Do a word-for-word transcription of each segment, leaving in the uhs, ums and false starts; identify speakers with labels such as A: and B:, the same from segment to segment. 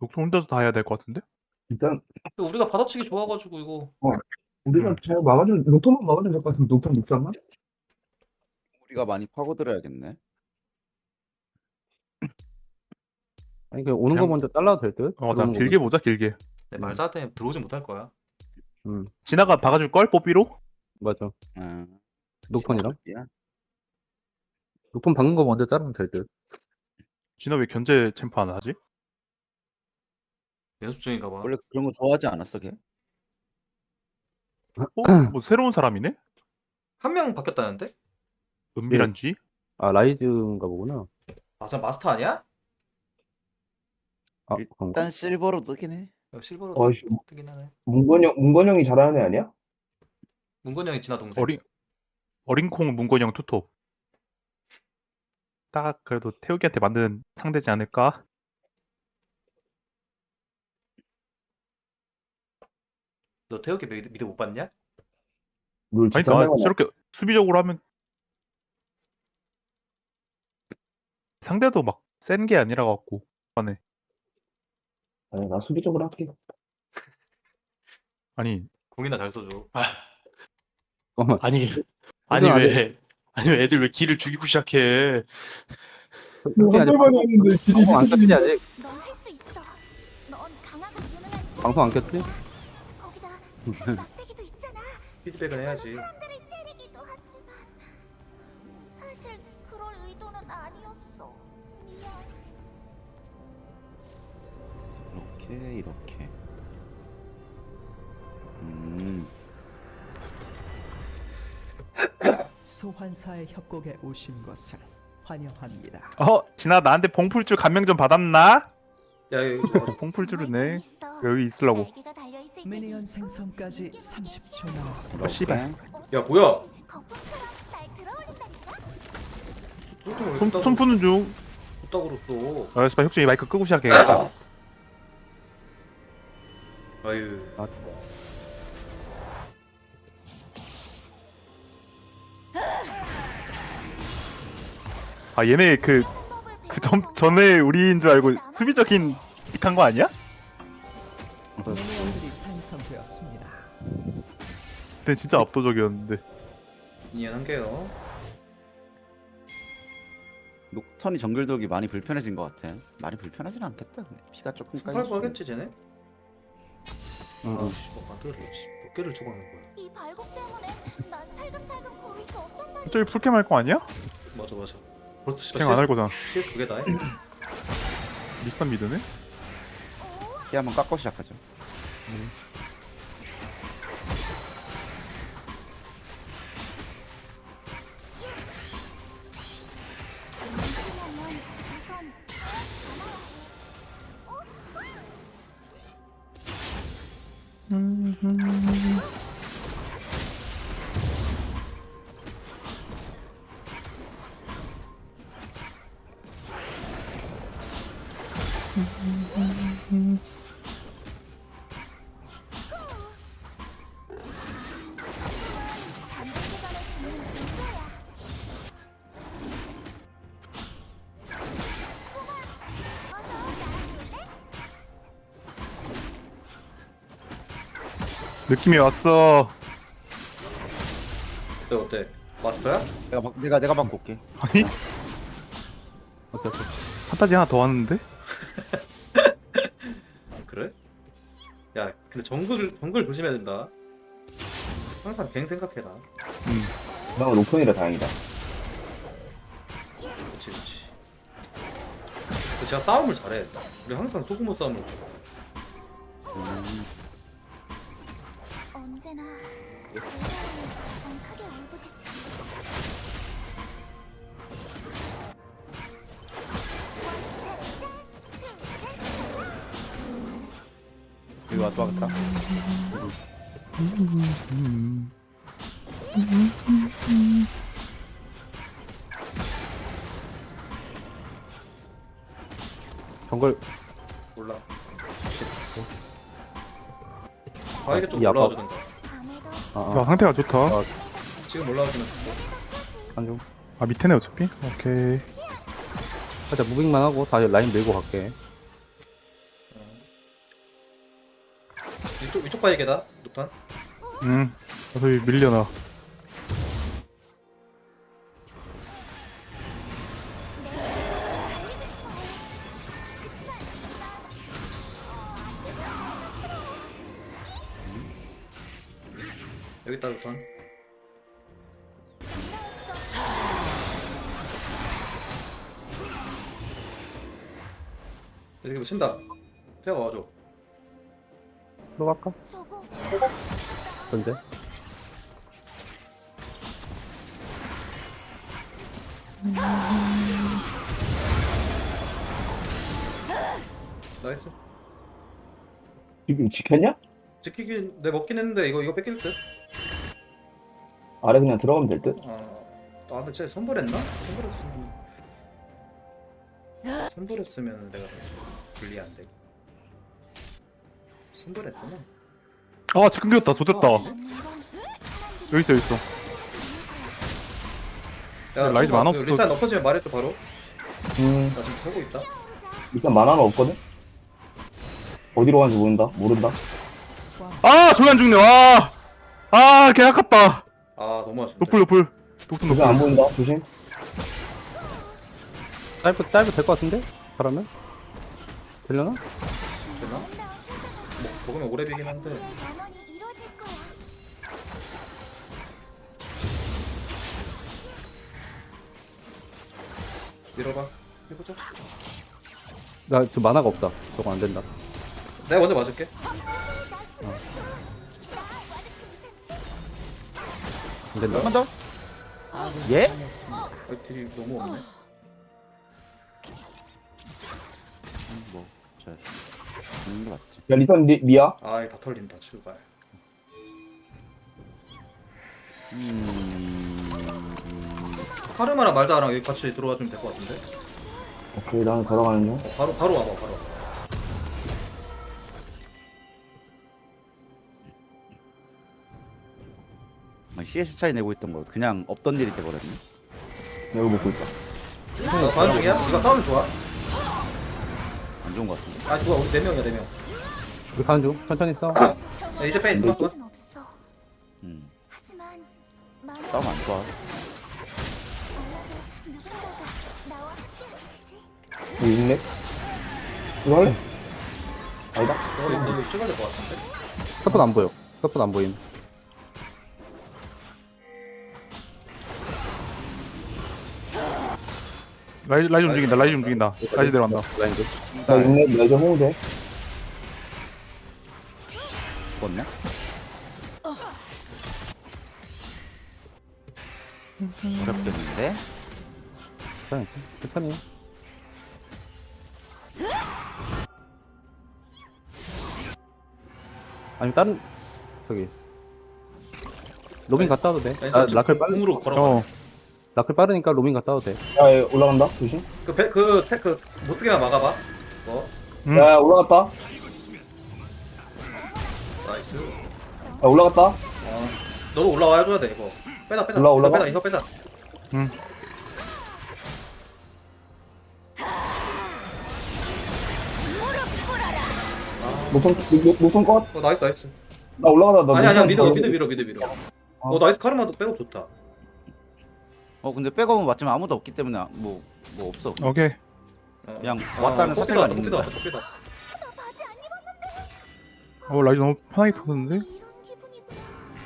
A: 녹통 혼자서 다 해야 될 것 같은데?
B: 일단
C: 근데 우리가 받아치기 좋아가지고 이거
B: 우리가
A: 음.
B: 잘 막아주면 녹턴만 막아주면 될 것 같으면 녹턴 육삼만?
D: 우리가 많이 파고들어야겠네.
E: 아니 그 오는
A: 그냥-
E: 거 먼저 잘라도 될 듯?
A: 어, 자
E: 들어오는 거
A: 길게
E: 먼저.
A: 보자 길게.
C: 내 말자 때문에 들어오진 못할 거야.
E: 음
A: 진아가 박아줄 걸 뽀삐로?
E: 맞아.
D: 아,
E: 녹턴이랑
D: 야,
E: 녹턴 박는 거 먼저 자르면 될 듯.
A: 진아 왜 견제 챔프 안 하지?
C: 연습 중인가 봐.
D: 원래 그런 거 좋아하지 않았어, 걔?
A: 어? 뭐 새로운 사람이네?
C: 한 명 바뀌었다는데?
A: 은밀한 쥐?
E: 아 라이즈인가 보구나.
C: 아, 저 마스터 아니야?
E: 아 그런가?
D: 일단 실버로 뜨긴 해.
C: 야, 실버로
B: 어이씨,
C: 뜨- 뜨긴 하네.
B: 문건영 문건영이 잘하는 애 아니야?
C: 문건 형이 진아 동생.
A: 어린 어린콩 문건영 투톱. 딱 그래도 태욱이한테 만든 상대지 않을까?
C: 너 태욱이 미드, 미드 못 봤냐?
B: 룰
A: 아니
B: 진짜
A: 그러니까
B: 하나만
A: 저렇게 수비적으로 하면 상대도 막 센 게 아니라 갖고 안에
B: 아니 나 수비적으로 할게.
A: 아니
C: 공이나 잘 써줘.
E: 잠깐만.
F: 아니 아니
E: 안
F: 왜 아니 왜 애들 왜 길을 죽이고 시작해?
E: 솔직히 아직
B: 한발만 했는데
E: 방송 안 켰지 아직?
G: 넌 할 수 있어. 넌 강하고 유능한
E: 방송 안 켰지?
G: 거기다 막대기도 있잖아.
C: 피드백은 해야지.
G: 사람들을 때리기도 하지만 음, 사실 그럴 의도는 아니었어. 미안.
D: 이렇게, 이렇게. 음,
H: 소환사의 협곡에 오신 것을 환영합니다.
A: 어 진아 나한테 봉풀줄 감명 좀 받았나?
C: 야, 이거
A: 어, 봉풀줄을 내
G: 재밌어.
A: 여기 있으려고.
G: 날개가 달려있을 때도
H: 미니언
G: 있고,
H: 생성까지 삼십 초 남았습니다.
A: 어 씨발.
C: 야, 뭐야?
G: 거품처럼 날 들어올린다니까.
C: 손톱을
A: 손, 손 푸는 중.
C: 뚝딱으로 또.
A: 아 씨발 혁준이 마이크 끄고 시작해야겠다.
C: 아유.
A: 아 얘네 그 그 전, 전에 우리인 줄 알고 수비적인 픽한 거 아니야?
H: 미니언들이 생성되었습니다.
A: 근데 진짜 압도적이었는데.
C: 미니언 한 개요.
D: 녹턴이 정글 돌기 많이 불편해진 것 같아. 많이 불편하진 않겠다. 근데 피가 조금
C: 팔
D: 까지.
C: 구 하겠지 쟤네?
E: 응.
C: 아, 씨, 뭐 만들어. 몇 개를 주고 하는 거야?
G: 이 발곡 때문에 난 살금살금 걸을 수 없단 말이야.
A: 저기 풀캠 할 거 아니야?
C: 맞아, 맞아. 그렇도 씨발
A: 캠 안 할 거잖아.
C: 씨에스 두 개 다 해?
A: 리산 미드네?
D: 피 한번 깎고 시작하죠.
G: 그러면 우선 잠들기 전에 짓는 분수야. 어서 나와줄래?
A: 느낌이 왔어.
C: 어때, 어때? 마스터야?
D: 내가 막, 내가 내가 막 볼게.
A: 아니?
E: 어때 어때?
A: 판타지 하나 더 왔는데?
C: 그래? 야, 근데 정글 정글 조심해야 된다. 항상 갱 생각해라.
A: 음.
B: 나 녹턴이라 다행이다.
C: 그렇지, 그렇지. 제가 싸움을 잘해. 우리 항상 소규모 싸움을 좀.
G: 언제나 그 사람이 가장 크게 울부짖지.
D: 여기 와도 하겠다.
E: 정글
C: 몰라. 바에게 좀
E: 이 아빠-
C: 올라와 주든가.
G: 밤에도
E: 아,
A: 야
E: 아
A: 상태가 좋다.
E: 아.
C: 지금 올라와주면 좋고.
E: 안중.
A: 아 밑에네 어차피? 오케이.
E: 살짝 무빙만 하고 다시 라인 밀고 갈게.
C: 이쪽 이쪽 바이게다 녹탄.
A: 응. 어차피 밀려나.
C: 여기 있다 녹탄. 여기 뭐 친다. 태가 와줘.
E: 들어갈까?
G: 저거
E: 언제?
C: 나이스.
B: 지금 지켰냐?
C: 지키긴 내 먹긴 했는데 이거 이거 뺏길 듯.
B: 아래 그냥 들어가면 될 듯?
C: 어. 아 근데 쟤 선불했나? 선불했으면 선불했으면 내가 분리 안 돼. 선불했구나.
A: 아, 지 끊겼다. 좋됐다.
C: 아,
A: 여기 있어, 여기 있어.
C: 야,
A: 라이즈
C: 너,
A: 만화
C: 그
A: 없어.
C: 리산 엎어지면 말해줘 바로.
B: 음,
C: 나 지금 하고 있다.
B: 일단 만화가 없거든? 어디로 가는지 모른다? 모른다?
A: 아, 저기 안 죽네. 와. 아, 개 아깝다.
C: 아 너무 아쉽네.
A: 노플, 노플. 노플,
B: 조심 안
A: 노플.
B: 보인다? 조심.
E: 짧고 짧고 될 것 같은데? 잘하면? 되려나?
C: 되나? 뭐, 먹으면 오래 비긴 한데.
G: 만원이 이루어질 거야.
C: 밀어봐. 해보자.
E: 나 지금 만화가 없다. 저거 안 된다.
C: 내가 먼저 맞을게.
E: 안 된다.
D: 한번 더. 예?
C: 아, 딜이 너무 없네.
D: 뭐, 저 죽는 게 맞지.
B: 야, 리선 리, 미야?
C: 아, 다 털린다. 출발.
D: 음,
C: 카르마랑 말자랑 여기 같이 들어와 주면 될 것 같은데.
B: 오케이, 나는 걸어가는 중.
C: 어, 바로 바로 와봐. 바로.
D: 씨에스 차이 내고 있던 거 그냥 없던 일이 돼버렸네.
B: 여기 먹고 있다.
C: 나 다음 중이야? 이거 다운 좋아.
D: 안 좋은 것 같은데.
C: 아, 좋아. 우리 네 명이야, 네 명.
E: 우리 가는 중. 천천히 싸워.
C: 야, 이제 빼. 있어.
G: 필요는 없어.
D: 음,
G: 하지만 만원
D: 싸움 안 좋아.
G: 누군가가 나와 함께하겠지.
B: 여기 있네? 이거 할래? 아니다.
C: 너 이거 너 이거 찍어야 될 것 같은데.
E: 서폿 안 보여. 서폿 안 보임.
A: 라이즈, 라이즈 움직인다. 라이즈 움직인다. 라이즈 내려간다.
E: 라인드.
B: 나 있네. 나 이제 호응 돼.
D: 죽었냐? 어렵겠는데?
E: 괜찮아. 천천히. 아니 다른 저기 로밍 갔다 와도 돼. 아, 라클 빨리.
C: 궁으로 걸어.
A: 어.
E: 라클 빠르니까 로밍 갔다 와도 돼.
B: 야, 얘 올라간다. 조심.
C: 그그그 못뜨게만 막아봐. 어,
A: 음.
B: 야, 야, 올라갔다.
C: 나이스.
B: 야, 올라갔다.
C: 어, 너도 올라와 줘야 돼 이거. 빼자 빼자.
B: 올라, 올라가?
C: 빼자 이거 빼자.
A: 응.
B: 노선, 노- 노선 컷.
C: 어 나이스 나이스.
B: 나 올라가다. 나
C: 아니 아니야
B: 노선
C: 믿어
B: 걸려.
C: 믿어 믿어 믿어 믿어. 어 나이스 카르마도 빼고 좋다.
D: 어, 근데 백업은 맞지만 아무도 없기 때문에 뭐, 뭐 없어.
A: 오케이.
C: 어.
D: 그냥
C: 아,
D: 왔다는
C: 뽑기도
D: 사태가
C: 왔다,
D: 있는
C: 뽑기도
D: 거야.
C: 왔다, 뽑기도 왔다.
G: 나 바지 안 입었는데.
A: 어, 라이즈 너무 편하게 펴는데?
G: 이런 기분이구나.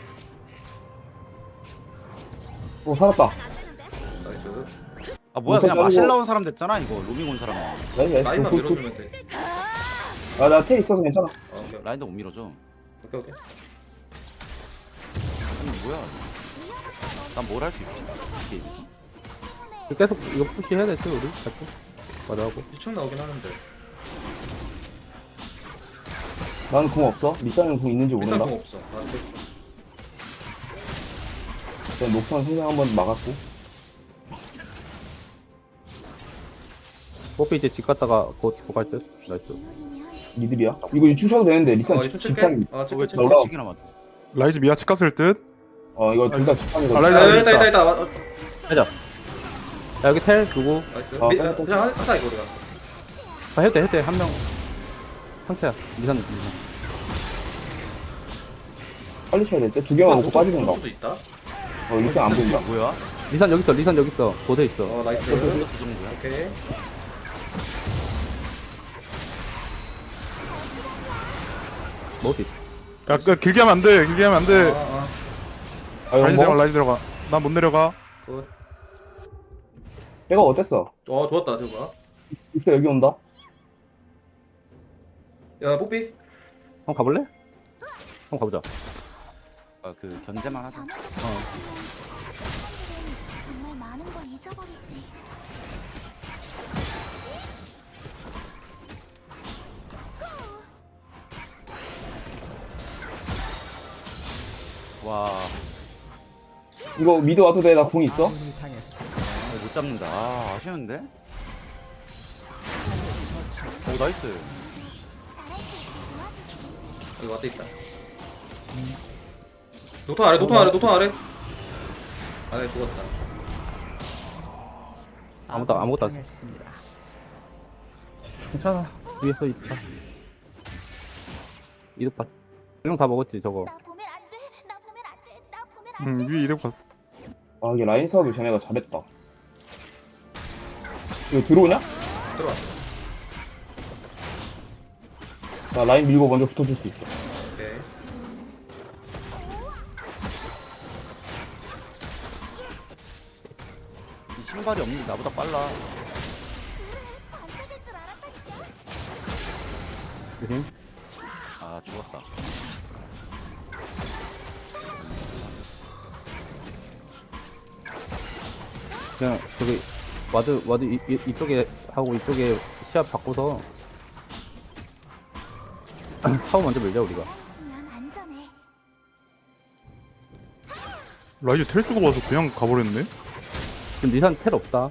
B: 어, 살았다.
C: 나이스.
D: 아, 뭐야,
B: 노선
D: 그냥 마실
B: 자르고.
D: 나온 사람 됐잖아, 이거. 로밍 온 사람.
B: 나이스, 나이스.
C: 라인만
B: 굿, 굿, 굿.
C: 밀어주면 돼.
B: 아, 나 텔 있어서 괜찮아.
C: 어, 오케이
D: 라인도 못 밀어줘.
C: 오케이 오케이.
D: 아니, 뭐야. 난 뭘 할 수 있지? 이게 이거지.
E: 계속 이거 푸시 해야 되지 우리. 자꾸. 맞아하고.
C: 유충 나오긴 하는데.
B: 나는 궁 없어. 리산은 궁 있는지
C: 일단
B: 모른다.
C: 공 없어. 아, 근데
B: 일단 녹턴 생명 한번 막았고.
E: 뽀삐 이제 집 갔다가 곧 갈 듯. 나이스.
B: 니들이야. 이거 유충 쳐도 되는데 리산
C: 어 유충 칠게.
B: 집착이.
C: 아
D: 왜
C: 칠게 칠게.
B: 올라와.
D: 저기나 맞아.
A: 라이즈 미아 집 갔을 듯?
B: 어, 이거 둘 다
A: 아,
B: 집착이거든.
A: 라이즈
C: 야
A: 라이즈
C: 있다 있다 있다. 와, 어,
E: 하자. 야 여기 텔 누구?
C: 나이스.
B: 어,
C: 미,
B: 빼, 빼.
C: 그냥 하- 하자 이거 우리가.
E: 아 해도 돼 해도 돼. 한 명. 상태야. 미산 미산.
B: 빨리 쳐야 될 때. 두 개만 먹고 빠지는
C: 쏠
B: 거.
C: 수도 있다.
B: 어, 리산 안 보인다.
D: 뭐야?
E: 리산 여기 있어 리산 여기 있어 보드 있어.
C: 어 나이스.
D: 그 정도야?
C: 오케이.
E: 먹을 수 있어.
A: 야, 그, 길게 하면 안 돼. 길게 하면 안 돼.
C: 아,
B: 아,
A: 라이즈
B: 이거
A: 들어가,
B: 뭐?
A: 라이즈 들어가. 난 못 내려가.
C: 아. 굿.
B: 내가 어땠어?
C: 어 좋았다 저거.
B: 있어, 여기 온다.
C: 야 뽀삐.
E: 한번 가볼래? 한번 가보자.
D: 아, 그 견제만 하자.
G: 자네도 정말 많은 걸 잊어버리지.
D: 와,
B: 이거 미드 와도 돼? 나 공 있어?
H: 아군이 당했습니다.
D: 어, 못 잡는다. 아, 아쉬운데? 오, 나이스.
G: 잘할 수 있게 도와주지.
C: 여기 왔다 있다. 노턴 아래 노턴 아래 노턴 아래. 아네 죽었다.
E: 아무것도 아무것도 안 써.
H: 당했습니다.
E: 괜찮아. 위에서 있다. 이득 봤. 일용 다 먹었지 저거.
G: 나 보면 안 돼. 나 보면 안 돼. 나 보면 안
A: 응,
G: 돼.
A: 위에 이득 봤어.
B: 아, 이게 라인 사업을 쟤네가 잘했다. 이거 들어오냐?
C: 들어와.
B: 나 라인 밀고 먼저 붙어줄 수 있어.
C: 오케이.
D: 이 신발이 없는 게 나보다 빨라.
G: 반짝일 줄 알았다니까.
E: 조심.
D: 아, 죽었다.
E: 그냥 저기 와드 와드 이, 이, 이쪽에 하고 이쪽에 시합 바꿔서 타워 먼저 밀자 우리가.
G: 있으면 안전해.
A: 라이즈 텔 수가 와서 그냥 가버렸네.
E: 지금 리산 텔 없다.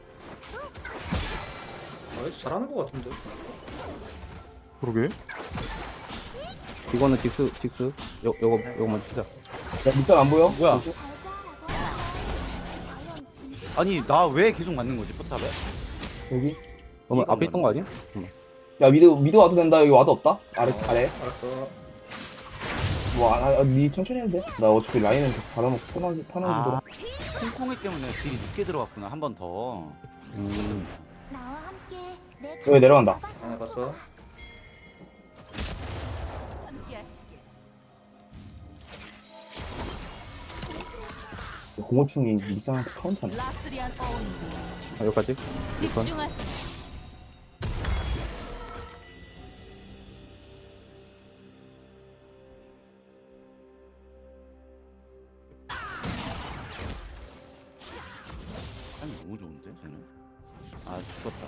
C: 나이스 잘하는 거 같은데.
A: 그러게.
E: 이거는 직스 직스. 요 요거 요거만 치자.
B: 야, 밑단 안 보여?
D: 뭐야?
B: 뭐지?
G: 잘 자라고. 과연 진실
D: 아니, 나 왜 계속 맞는 거지, 포탑에?
B: 여기?
E: 너무
D: 이거
E: 앞에 있던 거 아니야?
B: 야, 미드, 미드 와도 된다. 여기 와도 없다? 아래, 아래.
C: 알았어.
B: 뭐, 아, 아, 니 천천히 해도 돼. 나 어차피 라인은 받아놓고 편하게, 편하게
D: 아,
B: 돌아.
D: 콩콩이 때문에 딜이 늦게 들어갔구나, 한 번 더.
E: 음.
G: 나와 함께 내
B: 여기 내려간다.
C: 아 봤어.
B: 공호충이 밑단한테 카운터네.
E: 아, 여기까지. 이건.
D: 아니, 너무 좋은데, 쟤는? 아, 죽었다.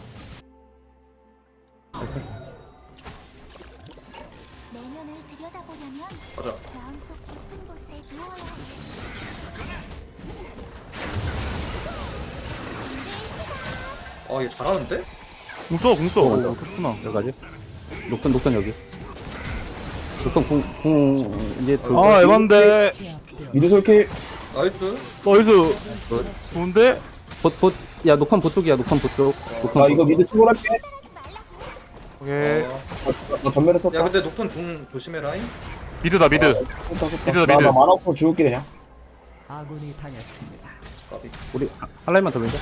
G: 내면을 들여다보려면
C: 가자.
G: 마음속 깊은 곳에 누워야 해.
C: 어얘 잘하는데?
A: 궁 써, 궁 써. 오, 그렇구나.
E: 여기까지. 녹턴 녹턴 여기. 녹턴 궁궁 이제 그
A: 아, 에반데.
B: 미드 솔킬.
C: 나이스.
A: 나이스. 좋은데?
E: 보보 야 녹턴 보쪽이야 녹턴 보쪽. 녹턴
B: 나 이거 미드 출발할게.
A: 오케이.
C: 어.
B: 나 전멸에 썼다.
C: 야 근데 녹턴 궁 조심해라잉.
A: 미드다, 미드.
B: 썼다, 썼다.
A: 미드다,
B: 나,
A: 미드.
B: 나 만화 없어 죽을게, 그냥.
H: 아군이 당했습니다.
C: 까비.
E: 우리 한 라인만 더 밀자.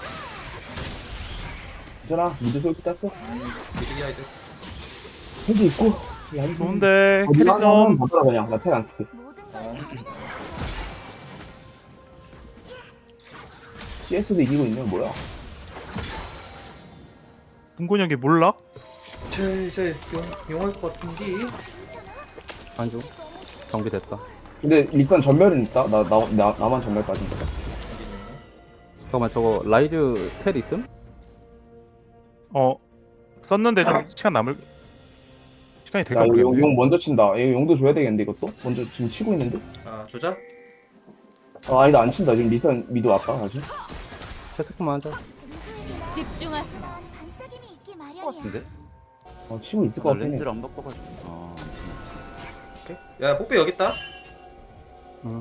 B: 괜찮아. 미드 솔킬 땄어.
C: 미드기야 이제.
B: 헤드 있고. 야, 이거
A: 좋은데.
B: 어디
A: 캐리
B: 하나만
A: 좀.
B: 받아라, 그냥. 나 텔 안 쓸게.
G: 모든 걸
C: 어.
B: 씨에스도 이기고 있네, 뭐야.
A: 동건이 형이 몰라?
C: 쟤 이제 용 용할 것 같은데.
E: 안주. 정비됐다.
B: 근데 일단 전멸은 있다. 나, 나, 나, 나만 전멸 빠진 거다.
E: 잠깐만 저거 라이즈 텔 있음?
A: 어. 썼는데 좀 시간 남을. 시간이 될까
B: 야, 이거 용,
A: 모르겠네.
B: 용 먼저 친다. 이거 용도 줘야 되겠는데, 이것도? 먼저 지금 치고 있는데?
C: 아 주자.
B: 아, 아니다, 안 친다. 지금 리산 미드 왔다, 아직.
E: 세트만 하자.
G: 집중하세요. 반짝임이 있기
D: 것
G: 마련이야.
D: 같은데?
B: 어, 치고 있을 것
D: 나
B: 같긴 해.
D: 렌즈를 안 바꿔가지고. 아,
C: 오케이. 야 뽀삐 여기 있다.
E: 응.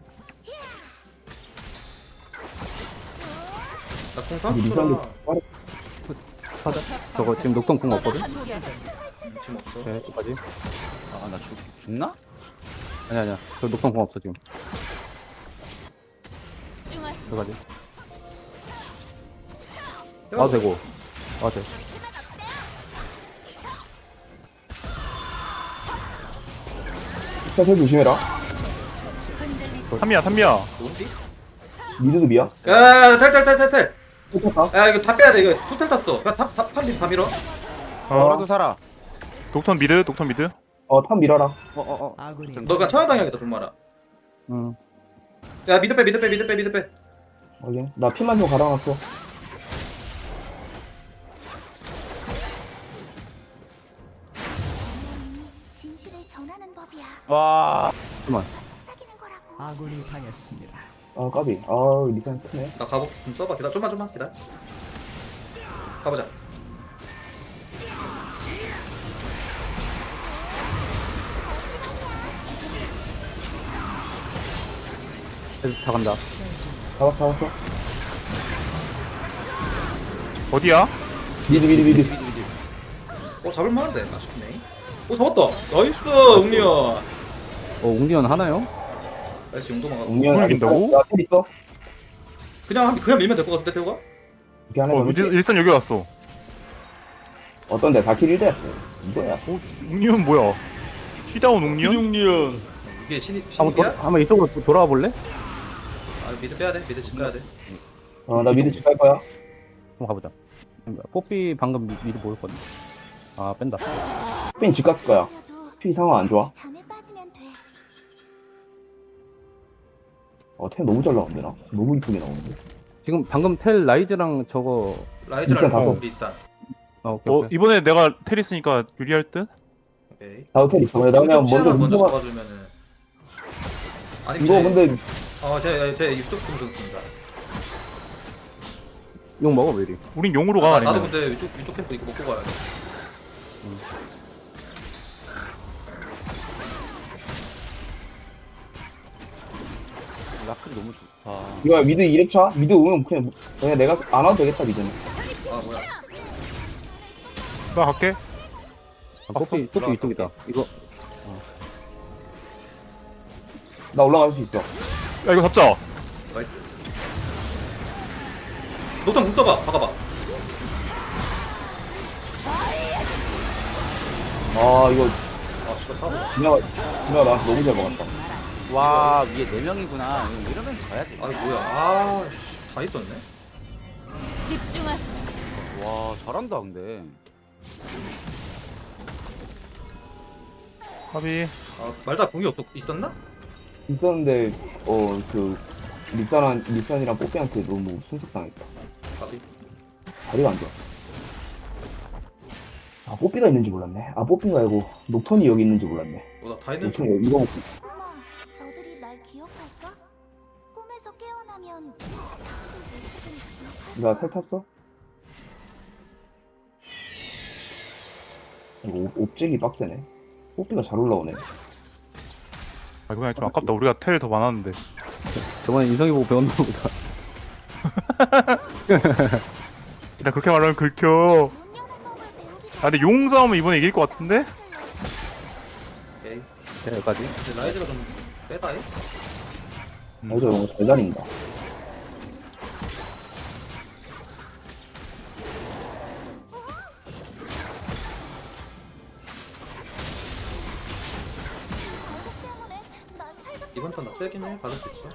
C: 나궁
B: 우리 리산도
C: 삼수라.
B: 빠르.
E: 하자. 저거 지금 녹턴 궁 없거든.
C: 지금 없어.
E: 네, 여기까지.
D: 아, 나 죽, 죽나?
E: 아니 아니야. 저 녹턴 공 없어 지금.
G: 집중하세요.
E: 들어가지. 와도 되고. 와도 돼.
B: 사실 조심해라.
G: 흔들리지
A: 삼미야 삼미야.
C: 뭔디?
B: 미드도 미야.
C: 야탈탈탈탈탈
B: 쫓았다.
C: 야 이거 다 빼야 돼 이거 투텔 탔어 야탑탑다 밀어
D: 뭐라도
A: 어
D: 살아.
A: 독턴 미드 독턴 미드.
B: 어탑 밀어라.
D: 어어 어.
H: 아군이
C: 너가 천하당해야겠다 좀 말아
E: 응.
C: 야 미드 빼 미드 빼 미드 빼 미드 빼
B: 확인. 나 피만 좀 갈아놨어.
G: 진실을 전하는 법이야.
D: 와.
E: 잠깐만.
G: 속삭이는 거라고.
H: 아군이 당했습니다.
B: 아 까비. 아 리산 크네.
C: 나 가보 좀 써봐 기다려 좀만 좀만 기다려 가보자
E: 계속 다 간다.
B: 잡았어 잡았어.
A: 어디야?
B: 미드 미드 미드.
C: 어 잡을만한데 아쉽네 오 잡았다 나이스 웅리언
E: 어 웅디언 하나요?
C: 나이스 용도만 가고
B: 웅이야.
A: 그걸 이긴다고?
B: 나텔 있어.
C: 그냥 한- 그냥 밀면 될 것 같은데 태우가?
B: 이렇게 하나
A: 어
B: 더.
A: 일- 일산 여기 왔어.
B: 어떤데? 다킬 일 대였어. 이거야.
A: 어 웅니은 뭐야? 쉬다운 웅니은?
F: 웅리언.
C: 이게 신입
E: 한번 도,
C: 신입이야?
E: 한번 이쪽으로 도- 돌아와 볼래?
C: 아 미드 빼야 돼 미드 집 가야 돼
B: 어나 미드 집 갈 거야.
E: 한번 가보자. 뽀삐 방금 미- 미리 모였거든. 아 뺀다.
B: 핀 집 갔을 거야.
G: 그래도
B: 피 상황 안 좋아.
G: 잔에 빠지면 돼.
B: 어템 너무 잘 나오는데 나. 너무 이쁘게 나오는데.
E: 지금 방금 텔 라이즈랑 저거.
C: 라이즈랑
B: 일단 가서.
C: 리산
E: 아 오케이
A: 어
E: 오케이.
A: 이번에 내가 테리스니까 유리할 듯?
C: 오케이
B: 나도 텔 있어. 나 그냥 먼저
C: 먼저 먼저
B: 루즈만.
C: 잡아주면은 아니
B: 이거 근데
C: 어제제 이쪽 좀 좋습니다
E: 용 먹어 왜 이리?
A: 우린 용으로 가
C: 나,
A: 아니면.
C: 나도 근데 위쪽 위쪽 캠프 이거 먹고 가야 돼
D: 라클이 너무 좋다.
B: 이거 미드 이 렙차? 미드 오면 그냥 그냥 내가 안 와도 되겠다 미드는.
C: 아 뭐야
A: 나 갈게.
E: 아, 뽀삐 뽀삐 이쪽이다. 이거
B: 나 올라갈 수 있어.
A: 야 이거 잡자.
C: 나이스 노탄 국 써봐 박아봐
B: 아 이거
C: 아 씨발 사고
B: 진영아 진영아 나한테 너무 잘 먹었다.
D: 와 위에 네 명이구나. 이러면 가야 돼.
C: 아니 뭐야 아다 있었네
G: 집중하세요.
D: 와 잘한다 근데.
A: 합이.
C: 아 말자 공이 없 있었나?
B: 있었는데 어 그 리산한 리산이랑 뽀삐한테 너무 순삭당했다.
C: 가비
B: 다리가 안 좋아. 아 뽀삐가 있는지 몰랐네. 아 뽀삐 말고 녹턴이 여기 있는지 몰랐네.
C: 어나다 있는 줄
B: 녹턴이 이거
G: 아마 저들이 날 기억할까? 꿈에서 깨어나면 자꾸 모습을 기억할
B: 나탈 탔어? 이거 옵- 옵잭이 빡세네. 뽀삐가 잘 올라오네.
A: 아 그냥 좀 아깝다. 우리가 텔 더 많았는데.
E: 저번에 인성이 보고 배웠나 보다.
A: 나 그렇게 말하면 긁혀.
G: 문명한 법을 배우지
A: 아 근데 용 싸움은 이번에 이길 것 같은데?
C: 오케이
E: 네, 여기까지.
C: 근데 라이즈가 좀 빼다 해?
B: 아 이거 너무 잘 다닌다.
G: 결국 때문에 난 살갑
C: 이번 턴 나 세긴 해 받을 수 있어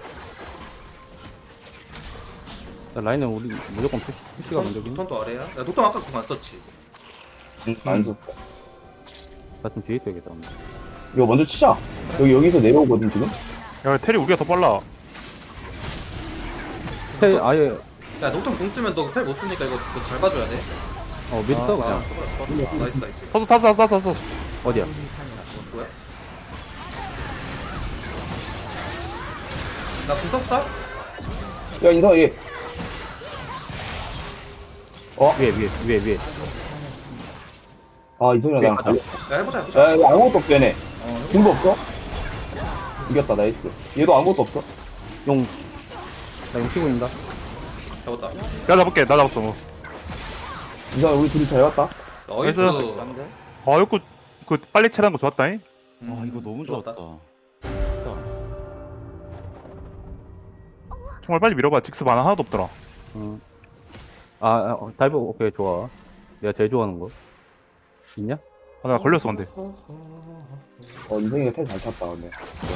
E: 자, 라인은 우리 무조건 푸시, 푸시가 먼저긴.
C: 노턴도 아래야 야 노턴 아까 그거 안 썼지
B: 응, 안 좋다.
E: 나좀 뒤에 있어야겠다. 근데.
B: 이거 먼저 치자. 여기 여기서 내려오거든 지금.
A: 야 텔이 우리가 더 빨라.
E: 텔 아예
C: 야 노턴 공 쓰면 너 텔 못 쓰니까 이거 그거 잘 봐줘야 돼
E: 어 미드 써
C: 아,
E: 그냥.
C: 아, 나이스 나이스
A: 타서 타서 타서 타서.
E: 어디야?
H: 아군이 당했습니다.
C: 뭐야 나공 썼어?
B: 야 인성 얘.
E: 위에 위에 위에 위에.
B: 아 이성이랑 나랑
E: 가자.
B: 달려.
C: 야 해보자 해보자
B: 야 이거 아무것도 없어 얘네.
C: 어
B: 공도 없어? 이겼다 나이스. 얘도 아무것도 없어.
E: 용. 나용 치고 있다.
C: 잡았다
A: 나 잡을게. 나 잡았어. 뭐.
B: 인성 우리 둘이 잘 봤다.
C: 나이스
A: 나이스. 아 이거 그 빨리 채라는 거 좋았다잉.
C: 음,
D: 와 이거 너무
C: 좋았다.
D: 좋았다.
A: 정말 빨리 밀어봐. 직스 만화 하나도 없더라.
E: 어. 아, 아 어, 다이브 오케이 좋아. 내가 제일 좋아하는 거. 있냐?
A: 아, 나 걸렸어 근데.
B: 어 인생이가 텔 잘 탔다 근데.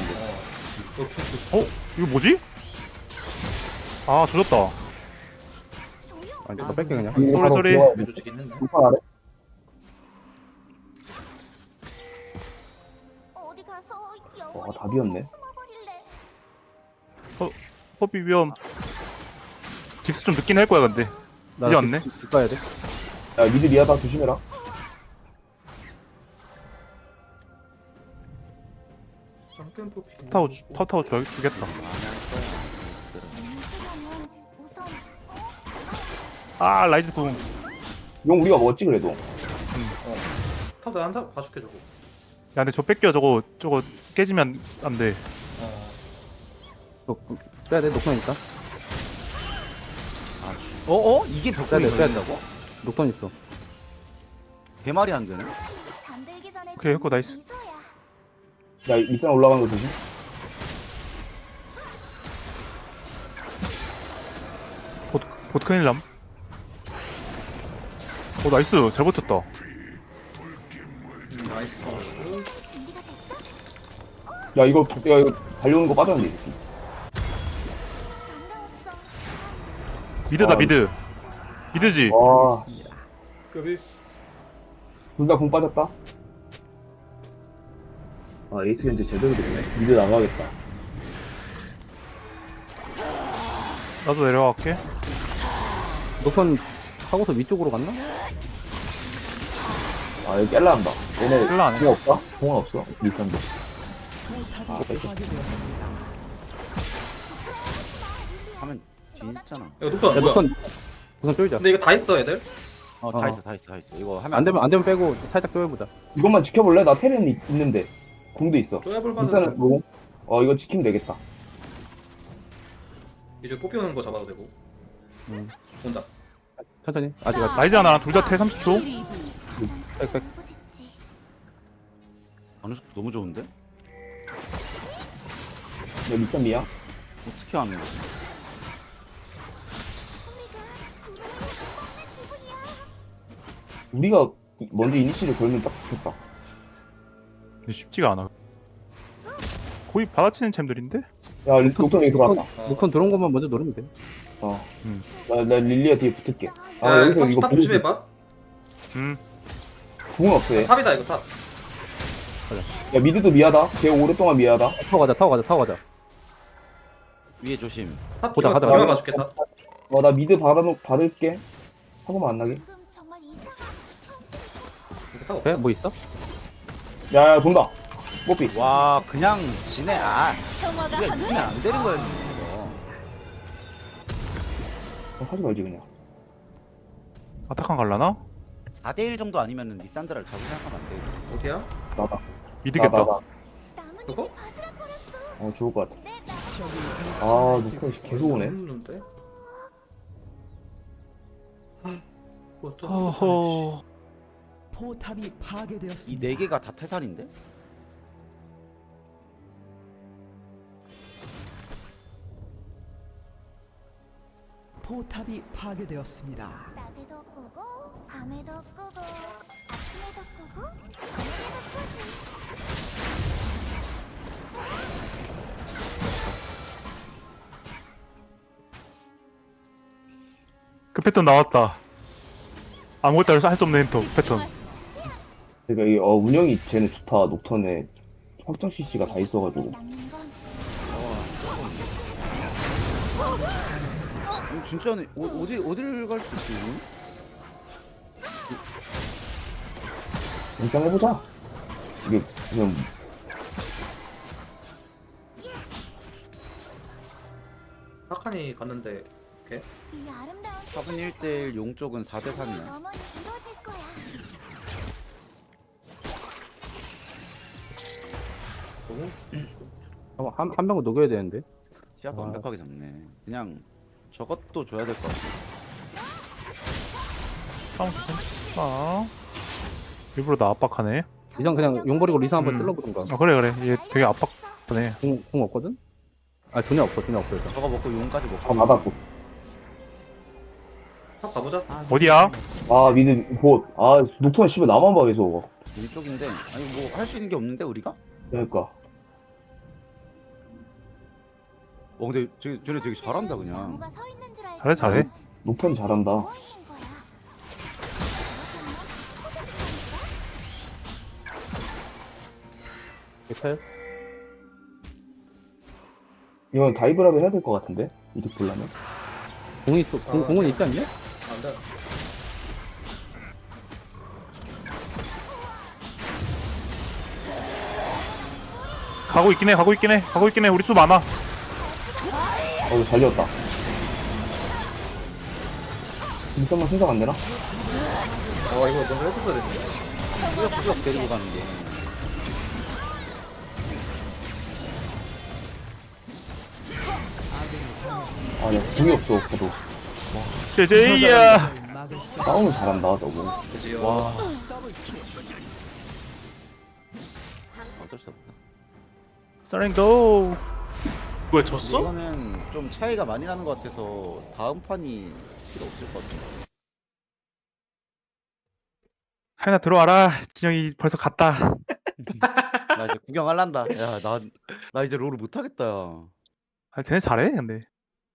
A: 어? 이거 뭐지? 아 조졌다.
E: 아니 너 뺄게 그냥.
A: 쏘리 쏘리.
C: 해주시긴 했네.
B: 불판 아래.
G: 어디 가서
B: 와,
G: 영원히
B: 다 비었네.
G: 숨어버릴래.
A: 허비 위험. 직스 좀 늦긴 할 거야 근데.
E: 나
A: 이제 왔네.
E: 집 가야 돼.
B: 야 미드 미아다 조심해라.
A: 타워 주- 타워 타워 줘 주겠다.
G: 인수령은 우선
A: 아 라이즈 궁. 야
B: 용 우리가 먹었지 그래도.
C: 타도 한타 봐줄게 저거.
A: 근데 저 뺏겨 저거 저거 깨지면 안 돼.
E: 너 빼야 돼. 녹턴 있다.
D: 어? 어? 이게
E: 빼야
D: 벽돌이
E: 돼. 빼야 돼.
D: 걸린다고?
E: 녹턴 있어.
D: 개말이 안 되네.
G: 잠들기 전에
A: 오케이, 했고, 나이스.
G: 미소야.
B: 야 밑산 올라가는 거 조심.
A: 보 보트 큰일 남. 오 나이스 잘 버텼다.
C: 음, 나이스.
G: 준비가 됐어?
B: 야 이거 야 이거 달려오는 거 빠졌는데. 이 새끼.
G: 반가웠어.
A: 미드다
B: 아,
A: 미드. 미드지.
B: 와,
C: 급이.
B: 둘 다 공 빠졌다. 아 에이스 현재 제대로 됐네. 미드 나가겠다.
A: 나도 내려갈게.
E: 녹턴 하고서 위쪽으로 갔나?
B: 아 여기 깰라 한다. 얘네
A: 깰라 안 해.
B: 공 없다? 공은 없어. 밑산도.
H: 포탑이 파괴되었습니다.
D: 하면 뒤에 있잖아.
C: 이거 녹턴
E: 야
C: 뭐야?
E: 녹턴 녹턴 쪼이자.
C: 근데 이거 다 있어 애들?
D: 어,
E: 어.
D: 다 있어, 다 있어, 다 있어. 이거 하면
E: 안 되면 안 되면 빼고 살짝 쪼여보자.
B: 이것만 지켜볼래? 나 테렌 있- 있는데. 공도 있어.
C: 쪼야볼
B: 밑산은
C: 만은
B: 뭐? 어 이거 지키면 되겠다.
C: 이제 뽑기 오는 거 잡아도 되고.
E: 음.
C: 온다.
E: 천천히. 아직 아직.
A: 라이즈 하나랑 둘 다 태 삼십 초.
E: 빽빽.
G: 부딪지.
D: 어느 속도 너무 좋은데?
B: 야 밑산 미야?
D: 어떻게 하는 거지?
B: 우리가 먼저 이니시를 걸면 딱 좋겠다.
A: 근데 쉽지가 않아. 거의 받아치는 챔들인데?
B: 야 녹턴 여기 들어왔다.
E: 녹턴 들어온 것만 먼저 노리면 돼.
B: 어.
A: 음.
B: 나, 나 릴리아 뒤에 붙을게. 아
C: 야,
B: 여기서
C: 탑,
B: 이거
C: 탑
B: 보고
C: 조심해봐.
A: 음.
B: 궁은 없어 얘.
C: 탑이다 이거 탑.
B: 야 미드도 미하다. 걔 오랫동안 미하다.
E: 타고 가자. 타고 가자. 타고 가자.
D: 위에 조심.
C: 탑
E: 보자,
C: 뒤만
E: 가자,
C: 뒤만
E: 가자.
C: 봐줄게 탑.
B: 어 나 미드 받아놓 받을게. 사고만 안 나게.
G: 지금 정말 이상한 현실이
C: 이거 탑
E: 돼?
C: 없다.
E: 뭐 있어?
B: 야야 돈다. 뽀삐.
D: 와, 그냥 지네. 아, 우리가 이기면 안 되는 거야. 이거.
B: 어, 하지 말지 그냥.
A: 아타칸 갈라나?
D: 사 대 일 정도 아니면 리산드라를 잡을 생각하면 안 돼.
C: 어디야?
B: 나다.
A: 미드겠다.
B: 나, 나, 나.
G: 나뭇잎이
C: 그거?
G: 바스락거렸어.
B: 어 죽을 것 같아.
G: 내 나.
H: 적이
B: 아
H: 하나씩
B: 녹턴 계속 오네.
C: 없는데? 뭐 또?
A: 허허.
H: 포탑이
D: 이
H: 파괴되었습니다.
D: 네 개가 다 태산인데?
H: 포탑이 파괴되었습니다.
G: 낮에도 꾸고 밤에도 꾸고 아침에도 꾸고 저녁에도 꾸지.
A: 그 패턴 나왔다. 아무것도 할 수 없는 엔터 패턴.
B: 그러니까 이 어, 운영이 쟤는 좋다. 녹턴에 확정 씨씨가 다 있어가지고.
G: 남는 건
D: 어, 진짜네. 어, 어디 어디를 갈 수 있지?
B: 일단 해보자. 이게 그냥
C: 하칸이 갔는데 오케이.
G: 이 아름다운
D: 탑은 일 대 일, 용 쪽은 사 대 삼이야.
G: 영원히 이루어질 거야.
C: 너무
E: 한, 한 명은 녹여야 되는데.
D: 시합
E: 아.
D: 완벽하게 잡네. 그냥 저것도 줘야 될 것 같아.
A: 싸움 괜찮아. 아. 일부러 나 압박하네.
E: 이전 그냥 용 버리고 리사 한번
A: 음.
E: 찔러보든가.
A: 아 그래 그래. 얘 되게 압박하네.
E: 공, 공 없거든? 아 존이 없어 존이 없어 일단.
D: 저거 먹고 용까지 먹고.
B: 아 맞았고.
C: 탑 가보자.
A: 어디야?
B: 아 미드 봇. 아 녹턴 씨발 나만 봐 계속.
D: 왼쪽인데 아니 뭐 할 수 있는 게 없는데 우리가?
B: 그러니까.
D: 어 근데 쟤, 쟤네 되게 잘한다 그냥.
G: 나무가 서 있는 줄 알지.
A: 잘해 잘해.
B: 녹턴 잘한다.
G: 뭐인 거야?
E: 괜찮아요?
B: 이건 다이브라도 해야 될 것 같은데 이득 보려면.
E: 공이 또 공,
C: 아,
E: 공은 있지 않냐?
C: 안 돼.
A: 가고 있긴 해 가고 있긴 해 가고 있긴 해 우리 수 많아.
B: 어우 잘 지었다. 일점만 생각 안 되나?
C: 어 이거 먼저 해줬어야 됐네.
D: 꾸역꾸역 데리고 가는 게.
B: 아야 궁이 없어 저도.
A: 제제이야.
H: 막을 수
B: 싸움을 잘한다 너무.
C: 그지요.
D: 와. 어쩔 수 없다.
A: 서랭고.
F: 뭐야 졌어?
D: 이거는 좀 차이가 많이 나는 것 같아서 다음 판이 필요 없을 것 같은데.
A: 하나 들어와라. 진영이 벌써 갔다.
D: 나 이제 구경할란다. 야, 나, 나 이제 롤을 못하겠다. 야.
A: 아 쟤네 잘해 근데.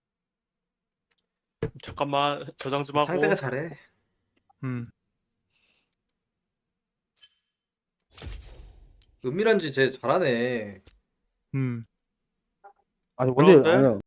F: 잠깐만 저장 좀 하고.
C: 상대가 잘해.
A: 음.
C: 은밀한지 쟤 잘하네.
A: 음.
E: 아니 원래
F: 그런데?
E: 아니야